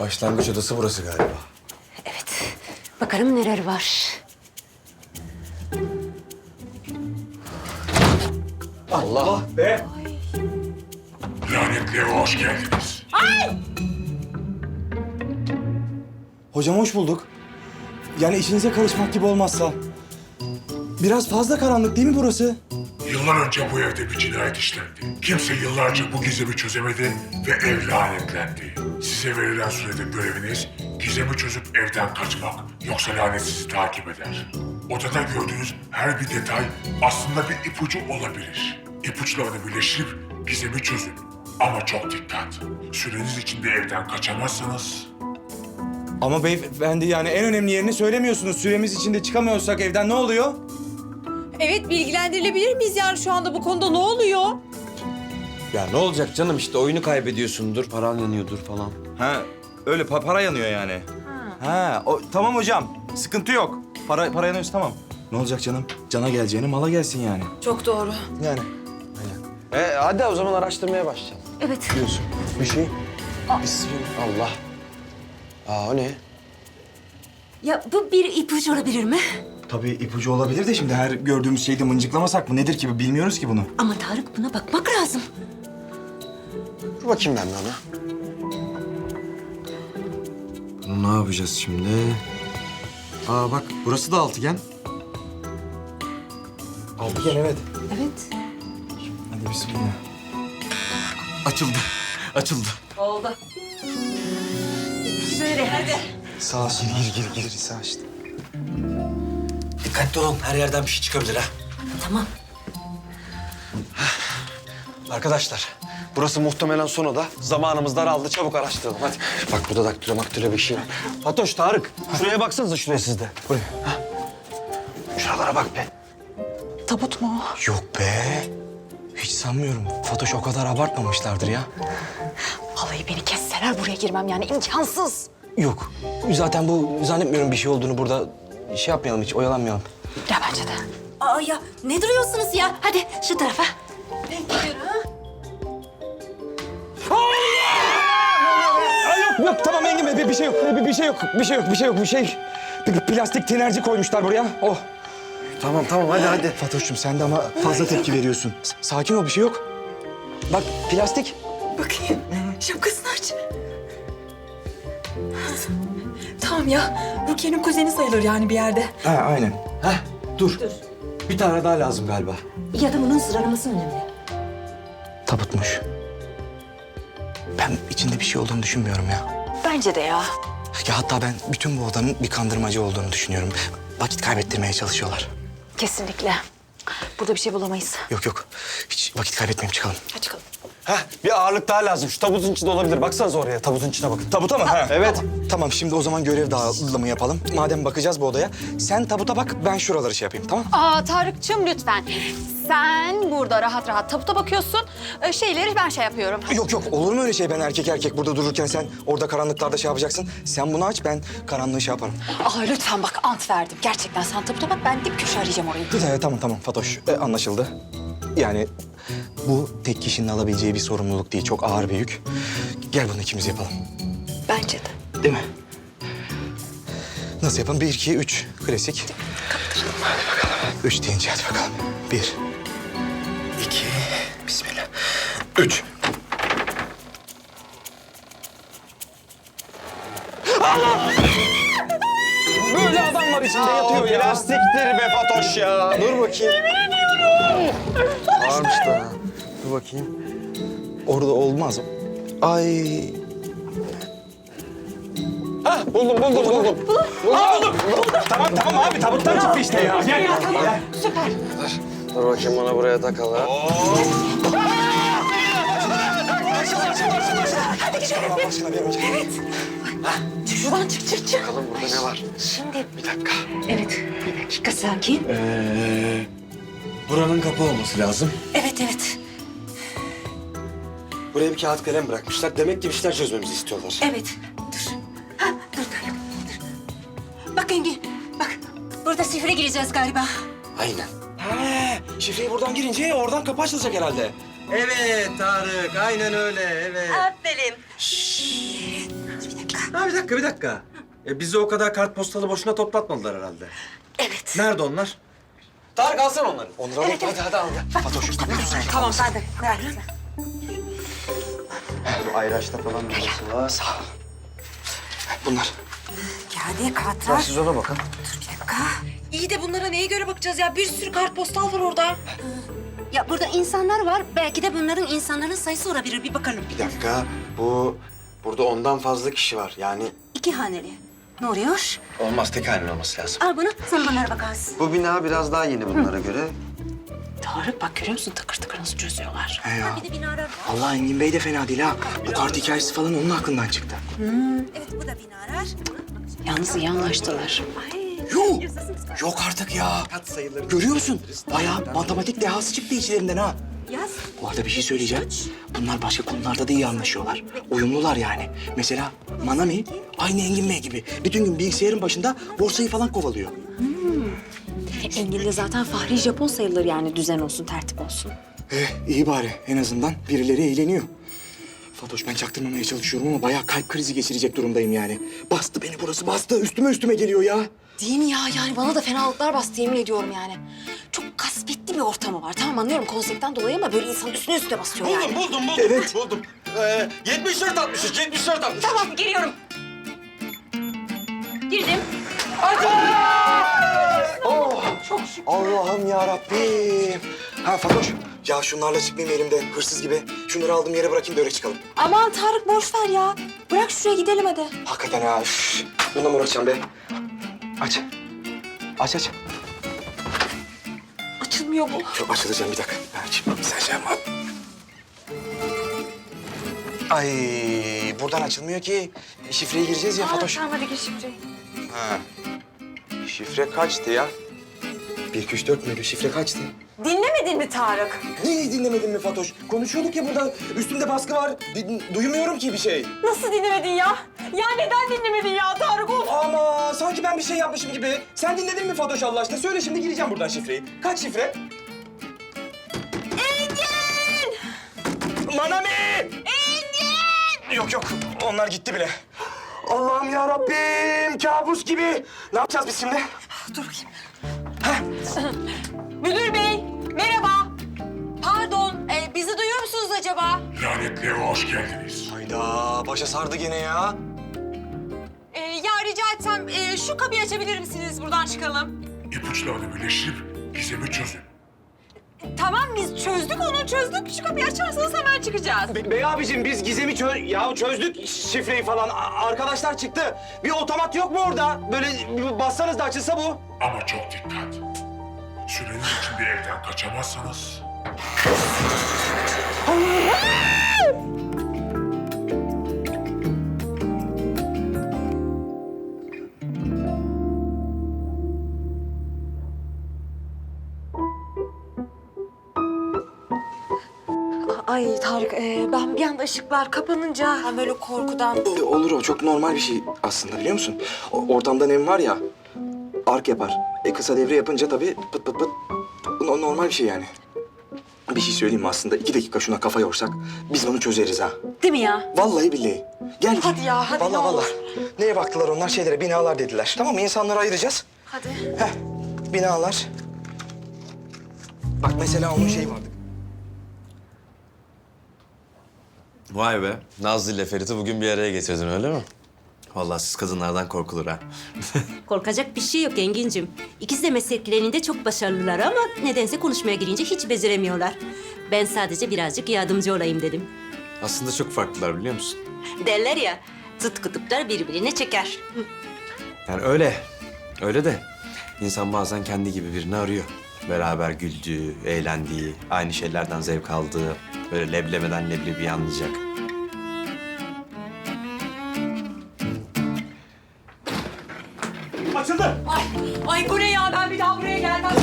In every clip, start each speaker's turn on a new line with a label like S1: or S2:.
S1: Başlangıç odası burası galiba.
S2: Evet. Bakalım neler var.
S1: Allah be!
S3: Lanetli eve hoş geldiniz.
S1: Hocam hoş bulduk. Yani işinize karışmak gibi olmazsa. Biraz fazla karanlık değil mi burası?
S3: Yıllar önce bu evde bir cinayet işlendi. Kimse yıllarca bu gizemi çözemedi ve ev lanetlendi. Size verilen sürede göreviniz gizemi çözüp evden kaçmak. Yoksa lanet sizi takip eder. Odada gördüğünüz her bir detay aslında bir ipucu olabilir. İpuçlarını birleştirip gizemi çözün. Ama çok dikkat. Süreniz içinde evden kaçamazsanız
S1: Ama beyefendi yani en önemli yerini söylemiyorsunuz. Süremiz içinde çıkamıyorsak evden ne oluyor?
S4: Evet, bilgilendirilebilir miyiz yani şu anda bu konuda ne oluyor?
S5: Ya ne olacak canım işte oyunu kaybediyorsundur, paran yanıyordur falan.
S1: Ha öyle para yanıyor yani. Ha tamam hocam. Sıkıntı yok. Para yanıyorsa tamam. Ne olacak canım? Cana geleceğine mala gelsin yani.
S4: Çok doğru.
S1: Yani
S5: Hadi o zaman araştırmaya başlayalım.
S2: Evet.
S1: diyorsun. Bir şey.
S5: Allah. O ne?
S2: Ya bu bir ipucu olabilir mi?
S1: Tabii ipucu olabilir de şimdi her gördüğümüz şeyde mıncıklamasak mı? Nedir ki bu? Bilmiyoruz ki bunu.
S2: Ama Tarık buna bakmak lazım.
S5: Dur bakayım ben de ona. Bunu ne yapacağız şimdi? Bak burası da altıgen.
S1: Altıgen evet.
S2: Evet.
S1: Hadi bismillah.
S5: Açıldı.
S4: Oldu.
S2: Şöyle hadi.
S1: Sağ ol. Gir sağ işte.
S5: Dikkatli olun her yerden bir şey çıkabilir ha.
S2: Tamam.
S5: Arkadaşlar burası muhtemelen son oda. Zamanımız daraldı çabuk araştıralım hadi. Bak burada daktilo bir şey var. Fatoş, Tarık şuraya baksanıza şuraya siz de.
S1: Buraya.
S5: Şuralara bak be.
S4: Tabut mu?
S1: Yok be. Hiç sanmıyorum. Fatoş o kadar abartmamışlardır ya.
S4: Vallahi beni kesseler buraya girmem yani imkansız.
S1: Yok. Zaten bu zannetmiyorum bir şey olduğunu burada şey yapmayalım hiç oyalanmayalım.
S4: Ya bence de.
S2: Aa ya ne duruyorsunuz ya? Hadi şu tarafa.
S1: Yok tamam Engin Bey bir şey yok. Bir şey. Plastik tinerci koymuşlar buraya. Oh.
S5: Tamam hadi.
S1: Fatoş'cum sen de ama fazla tepki veriyorsun. Sakin ol bir şey yok. Bak plastik.
S4: Bakayım. Şapkasını aç. Tamam ya. Rukiye'nin kuzeni sayılır yani bir yerde.
S1: Ha aynen.
S5: Dur. Bir tane daha lazım galiba.
S2: Ya da bunun sıralaması önemli.
S1: Tabutmuş. Ben içinde bir şey olduğunu düşünmüyorum ya.
S4: Bence de ya.
S1: Ya hatta ben bütün bu odanın bir kandırmacı olduğunu düşünüyorum. Vakit kaybettirmeye çalışıyorlar.
S4: Kesinlikle. Burada bir şey bulamayız.
S1: Yok. Hiç vakit kaybetmeyeyim çıkalım.
S4: Hadi çıkalım.
S5: Bir ağırlık daha lazım. Şu tabutun içinde olabilir. Baksanıza oraya. Tabutun içine bakın.
S1: Tabuta mı? Ha.
S5: Evet.
S1: Tamam şimdi o zaman görev dağılımı yapalım. Madem bakacağız bu odaya. Sen tabuta bak ben şuraları şey yapayım tamam?
S6: Tarık'cığım lütfen. Sen burada rahat rahat tabuta bakıyorsun. Şeyleri ben şey yapıyorum.
S1: Yok olur mu öyle şey? Ben erkek burada dururken sen orada karanlıklarda şey yapacaksın. Sen bunu aç ben karanlığı şey yaparım.
S6: Lütfen bak ant verdim. Gerçekten sen tabuta bak ben dip köşe arayacağım orayı.
S1: Tamam Fatoş anlaşıldı. Yani bu tek kişinin alabileceği bir sorumluluk değil. Çok ağır bir yük. Gel bunu ikimiz yapalım.
S4: Bence de.
S1: Değil mi? Nasıl yapalım? 1, 2, 3. Klasik. Hadi bakalım. 3 deyince hadi bakalım. 1, 2, bismillah. 3. Böyle adam var içinde yatıyor ya.
S5: Plastiktir be Fatoş ya. Dur bakayım. Yemin ediyorum. Ağırmış da. Dur bakayım.
S1: Orada olmaz. Ay.
S5: Buldum.
S1: Tamam abi tabuttan çıktı işte ya. Gel.
S5: Dur bakayım ona buraya takalım.
S1: Allah aşkına bir evet.
S4: Şuradan çık.
S5: Bakalım burada ne var?
S2: Şimdi
S5: Bir dakika.
S2: evet bir dakika sakin.
S5: Buranın kapı olması lazım.
S2: Evet.
S5: Buraya bir kağıt kalem bırakmışlar. Demek ki bir şeyler çözmemizi istiyorlar.
S2: Evet. Dur. Dur Tarık. Dur. Bak Engin bak burada sifre gireceğiz galiba.
S5: Aynen.
S1: Şifreyi buradan girince oradan kapı açılacak herhalde.
S5: Evet Tarık. Aynen öyle. Evet.
S2: Aferin. Bir dakika.
S5: Ha bir dakika. Bizi o kadar kartpostalı boşuna toplatmadılar herhalde.
S2: Evet.
S5: Nerede onlar? Tarık alsana onları. Onları alayım. Hadi al gel. Fatoş kapıyı tutsana.
S2: Tamam sen de merak etme.
S5: Bu ayraçta falan bir nasıl var? Sağ ol. Bunlar.
S2: Kağıdiye kağıtlar.
S5: Siz ona bakın.
S2: Bir dakika.
S4: İyi de bunlara neye göre bakacağız ya? Bir sürü kartpostal var orada.
S2: Ya burada insanlar var. Belki de bunların insanların sayısı olabilir. Bir bakalım.
S5: Bir dakika. Burada ondan fazla kişi var. Yani
S2: 2 haneli. Ne oluyor?
S5: olmaz, tek halin olması lazım.
S2: Al bunu. Sen bunlara bakarsın.
S5: Bu bina biraz daha yeni bunlara göre.
S4: Tarık bak görüyor musun takır takır nasıl çözüyorlar?
S5: He ya.
S2: Bir de binalar var.
S5: Allah Engin Bey de fena değil ha. Bu kart hikayesi falan onun aklından çıktı.
S2: Evet bu da binalar.
S4: Yalnız iyi anlaştılar.
S5: Yuh! Yok artık ya. Kat sayıları. Görüyor musun? Bayağı matematik dehası çıktı içlerinden ha.
S2: Yaz.
S5: Bu arada bir şey söyleyeceğim. Bunlar başka konularda da iyi anlaşıyorlar. Uyumlular yani. Mesela Manami aynı Engin Bey gibi. Bütün gün bilgisayarın başında borsayı falan kovalıyor.
S4: Engin de zaten fahri Japon sayılır yani düzen olsun, tertip olsun.
S5: İyi bari. En azından birileri eğleniyor. Fatoş ben çaktırmamaya çalışıyorum ama bayağı kalp krizi geçirecek durumdayım yani. Bastı beni burası bastı. Üstüme geliyor ya.
S4: Değil mi ya? Yani bana da fenalıklar bastı yemin ediyorum yani. Çok kasvetli bir ortamı var. Tamam anlıyorum konseptten dolayı ama böyle insan üstüne basıyor yani.
S5: Buldum. Evet. Buldum. 74 atmışız. 74 atmışız.
S2: Tamam giriyorum. Girdim.
S5: Allah'ım ya Rabbim. Ha Fatoş. Ya şunlarla çıkmayayım elimde hırsız gibi. Şunları aldığım yere bırakayım da öyle çıkalım.
S4: Aman Tarık boş ver ya. Bırak şuraya gidelim hadi.
S5: Hakikaten ha. Üf. Bununla mı uğraşacağım be? Aç. Aç.
S4: Açılmıyor bu.
S5: Çok açılacağım bir dakika. Ben sen şey yapma. Ay buradan açılmıyor ki. Şifreye gireceğiz ya Fatoş.
S4: Tamam hadi gir şifreyi.
S5: Ha. Şifre kaçtı ya? 1, 2, 3, 4 müydü? Şifre kaçtı?
S4: Dinlemedin mi Tarık?
S5: Neyi dinlemedin mi Fatoş? Konuşuyorduk ya burada. Üstümde baskı var. Duymuyorum ki bir şey.
S4: Nasıl dinlemedin ya? Ya neden dinlemedin ya Tarık? Of!
S5: Ama sanki ben bir şey yapmışım gibi. Sen dinledin mi Fatoş Allah aşkına? Söyle şimdi gireceğim buradan şifreyi. Kaç şifre? Engin! Manami! Engin! Yok. Onlar gitti bile. Allah'ım ya Rabbim. Kabus gibi. Ne yapacağız biz şimdi?
S2: Dur bakayım.
S4: Müdür bey, merhaba. Pardon, bizi duyuyor musunuz acaba?
S3: Lanetli eve hoş geldiniz.
S5: Hayda. Başa sardı gene ya.
S4: Ya rica etsem şu kapıyı açabilir misiniz? Buradan çıkalım.
S3: İpuçlarını birleştirip gizemi çözün.
S4: Tamam biz çözdük onu çözdük. Şu kapıyı açarsanız hemen çıkacağız.
S5: Bey abicim biz gizemi çözdük şifreyi falan. Arkadaşlar çıktı. Bir otomat yok mu orada? Böyle bassanız da açılsa bu.
S3: Ama çok dikkat. Süreniz içinde evden kaçamazsanız...
S4: Ay Tarık ben bir anda ışıklar kapanınca ben böyle korkudan...
S5: Olur o çok normal bir şey aslında biliyor musun? Ortamda nem var ya ark yapar. Kısa devre yapınca tabii pıt pıt. Normal bir şey yani. Bir şey söyleyeyim mi aslında? 2 dakika şuna kafa yorsak biz bunu çözeriz ha.
S4: Değil mi ya?
S5: Vallahi billahi. Gel.
S4: Hadi ya, hadi ne
S5: vallahi,
S4: olur.
S5: vallahi. Neye baktılar onlar şeylere? Binalar dediler. Tamam mı? İnsanları ayıracağız.
S4: Hadi.
S5: Binalar. Bak mesela onun şeyi vardı.
S7: Vay be. Nazlı ile Ferit'i bugün bir araya getirdin öyle mi? Vallahi siz kadınlardan korkulur ha.
S8: Korkacak bir şey yok Engin'cim. İkisi de mesleklerinde çok başarılılar ama nedense konuşmaya girince hiç beceremiyorlar. Ben sadece birazcık yardımcı olayım dedim.
S7: Aslında çok farklılar biliyor musun?
S8: Derler ya, zıt kutuplar birbirine çeker.
S7: Yani öyle. Öyle de insan bazen kendi gibi birini arıyor. Beraber güldüğü, eğlendiği, aynı şeylerden zevk aldığı, böyle leblemeden leblebiyi anlayacak.
S5: Açıldı.
S4: Ay bu ne ya? Ben bir daha buraya gelmem.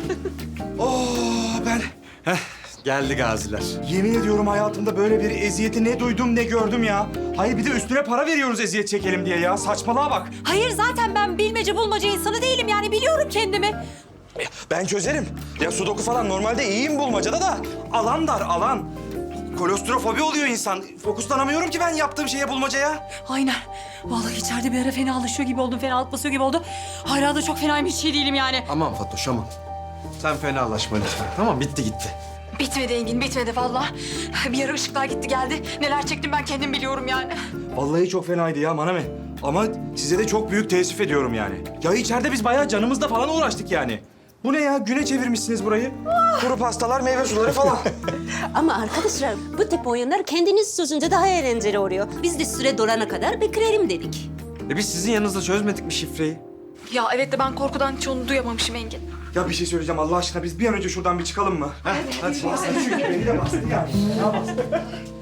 S5: Ben
S7: Geldi gaziler.
S1: Yemin ediyorum hayatımda böyle bir eziyeti ne duydum ne gördüm ya. Hayır bir de üstüne para veriyoruz eziyet çekelim diye ya. Saçmalığa bak.
S4: Hayır zaten ben bilmece bulmaca insanı değilim yani biliyorum kendimi.
S5: Ben çözerim. Ya sudoku falan normalde iyiyim bulmacada da.
S1: Alan dar alan. kolostrofobi oluyor insan. Fokuslanamıyorum ki ben yaptığım şeye bulmacaya.
S2: Aynen. Vallahi içeride bir ara fenalaşıyor gibi oldum, fenalık basıyor gibi oldu. Hala da çok fenayım, hiç şey değilim yani.
S7: Aman Fatoş aman. Sen fenalaşma lütfen. Tamam bitti gitti.
S2: Bitmedi Engin, bitmedi vallahi. Bir ara ışıklar gitti geldi. Neler çektim ben kendim biliyorum yani.
S1: Vallahi çok fenaydı ya Manami. Ama size de çok büyük teessüf ediyorum yani. Ya içeride biz bayağı canımızla falan uğraştık yani. Bu ne ya? Güne çevirmişsiniz burayı. Kuru pastalar, meyve suları falan.
S8: Ama arkadaşlar bu tip oyunlar kendiniz çözünce daha eğlenceli oluyor. Biz de süre dolana kadar bekleyelim dedik.
S7: Biz sizin yanınızda çözmedik mi şifreyi?
S4: Ya evet de ben korkudan hiç onu duyamamışım Engin.
S1: Ya bir şey söyleyeceğim Allah aşkına biz bir an önce şuradan bir çıkalım mı?
S7: Hadi.
S1: Bastı çünkü beni de bastı yani. Ya bastı.